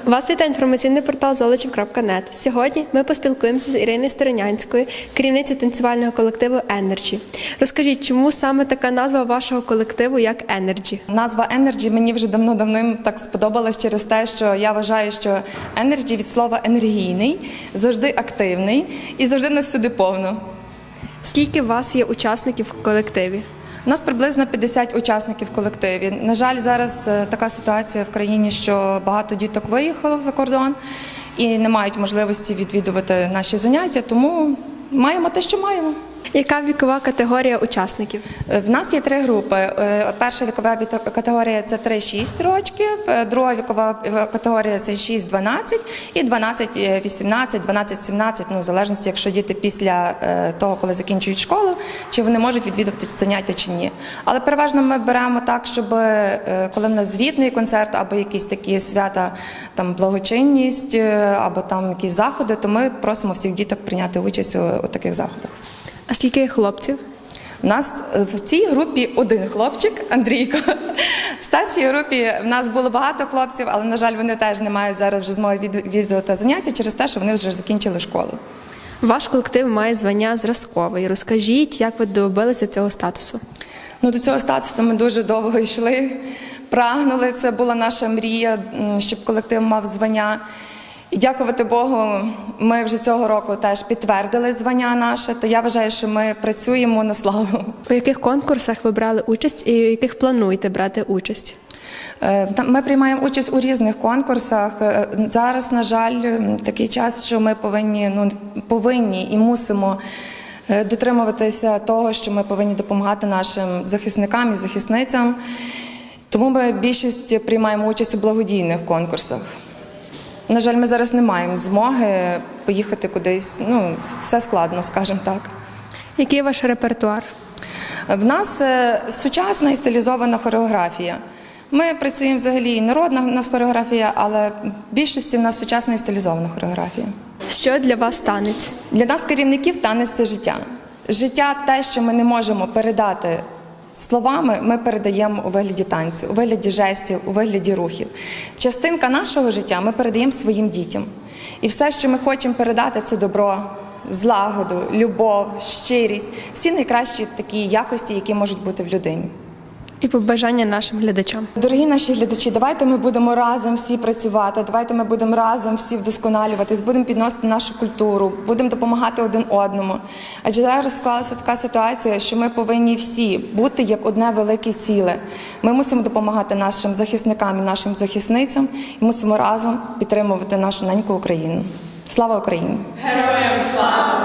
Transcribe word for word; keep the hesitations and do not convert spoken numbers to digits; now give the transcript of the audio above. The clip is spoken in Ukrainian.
Вас вітає інформаційний портал золочів крапка нет. Сьогодні ми поспілкуємося з Іриною Сторонянською, керівницею танцювального колективу «Енерджі». Розкажіть, чому саме така назва вашого колективу як «Енерджі»? Назва «Енерджі» мені вже давно-давним так сподобалась через те, що я вважаю, що «Енерджі» від слова «енергійний», завжди активний і завжди нас сюди повно. Скільки у вас є учасників в колективі? У нас приблизно п'ятдесят учасників в колективі. На жаль, зараз така ситуація в країні, що багато діток виїхало за кордон і не мають можливості відвідувати наші заняття, тому маємо те, що маємо. Яка вікова категорія учасників? В нас є три групи. Перша вікова категорія – це три-шість років, друга вікова категорія – це шість-дванадцять і дванадцять-вісімнадцять, дванадцять-сімнадцять, ну, в залежності, якщо діти після того, коли закінчують школу, чи вони можуть відвідувати заняття чи ні. Але переважно ми беремо так, щоб коли в нас звітний концерт або якісь такі свята, там благочинність, або там якісь заходи, то ми просимо всіх діток прийняти участь у таких заходах. А скільки є хлопців? У нас в цій групі один хлопчик, Андрійко. В старшій групі в нас було багато хлопців, але, на жаль, вони теж не мають зараз вже змоги відвідувати заняття через те, що вони вже закінчили школу. Ваш колектив має звання зразковий. Розкажіть, як ви добилися цього статусу? Ну, до цього статусу ми дуже довго йшли, прагнули. Це була наша мрія, щоб колектив мав звання. І дякувати Богу, ми вже цього року теж підтвердили звання наше, то я вважаю, що ми працюємо на славу. У яких конкурсах ви брали участь і у яких плануєте брати участь? Ми приймаємо участь у різних конкурсах. Зараз, на жаль, такий час, що ми повинні, ну, повинні і мусимо дотримуватися того, що ми повинні допомагати нашим захисникам і захисницям. Тому ми більшість приймаємо участь у благодійних конкурсах. На жаль, ми зараз не маємо змоги поїхати кудись, ну, все складно, скажімо так. Який ваш репертуар? В нас сучасна і стилізована хореографія. Ми працюємо взагалі і народна у нас хореографія, але в більшості в нас сучасна і стилізована хореографія. Що для вас танець? Для нас, керівників, танець – це життя. Життя – те, що ми не можемо передати словами, ми передаємо у вигляді танців, у вигляді жестів, у вигляді рухів. Частинка нашого життя ми передаємо своїм дітям. І все, що ми хочемо передати, це добро, злагоду, любов, щирість, всі найкращі такі якості, які можуть бути в людині. І побажання нашим глядачам. Дорогі наші глядачі, давайте ми будемо разом всі працювати, давайте ми будемо разом всі вдосконалюватись, будемо підносити нашу культуру, будемо допомагати один одному. Адже зараз склалася така ситуація, що ми повинні всі бути як одне велике ціле. Ми мусимо допомагати нашим захисникам і нашим захисницям і мусимо разом підтримувати нашу неньку Україну. Слава Україні! Героям слава!